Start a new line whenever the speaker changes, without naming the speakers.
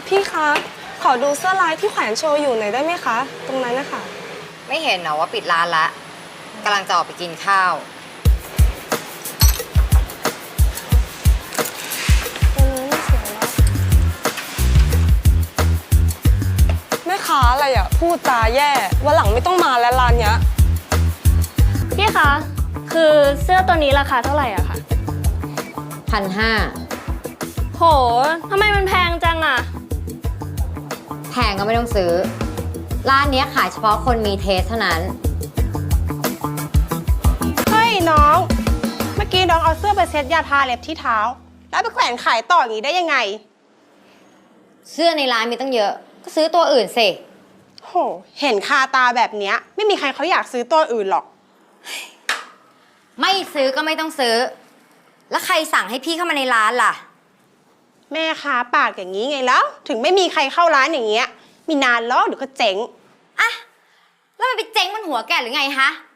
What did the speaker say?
พี่คะขอดูเสื้อลายที่แขวนโชว์อยู่หน่อยได้ไหมคะตรงนั้นนะคะ
ไม่เห็นเหรอว่าปิดร้านละกำลังจะออกไปกินข้าว
แม่ค้าอะไรอ่ะพูดจาแย่วันหลังไม่ต้องมาแล้วร้านเนี้ย
พี่คะคือเสื้อตัวนี้ราคาเท่าไหร่อะคะ
1,500
โหทำไมมันแพงจังอะ
แพงก็ไม่ต้องซื้อร้านนี้ขายเฉพาะคนมีเทสเท่านั้น
เฮ้ยน้องเมื่อกี้น้องเอาเสื้อไปเซ็ตยาทาเล็บที่เท้าแล้วไปแขวนขายต่ออย่างนี้ได้ยังไง
เสื้อในร้านมีตั้งเยอะก็ซื้อตัวอื่นสิ
โหเห็นคาตาแบบเนี้ยไม่มีใครเขาอยากซื้อตัวอื่นหรอก
ไม่ซื้อก็ไม่ต้องซื้อแล้วใครสั่งให้พี่เข้ามาในร้านล่ะ
แม่ค้าปากอย่างนี้ไงแล้วถึงไม่มีใครเข้าร้านอย่างเงี้ยมีนานแล้วเดี๋ยวก็เจ๊ง
อะแล้วมันไปเจ๊งบนหัวแกหรือไงฮะ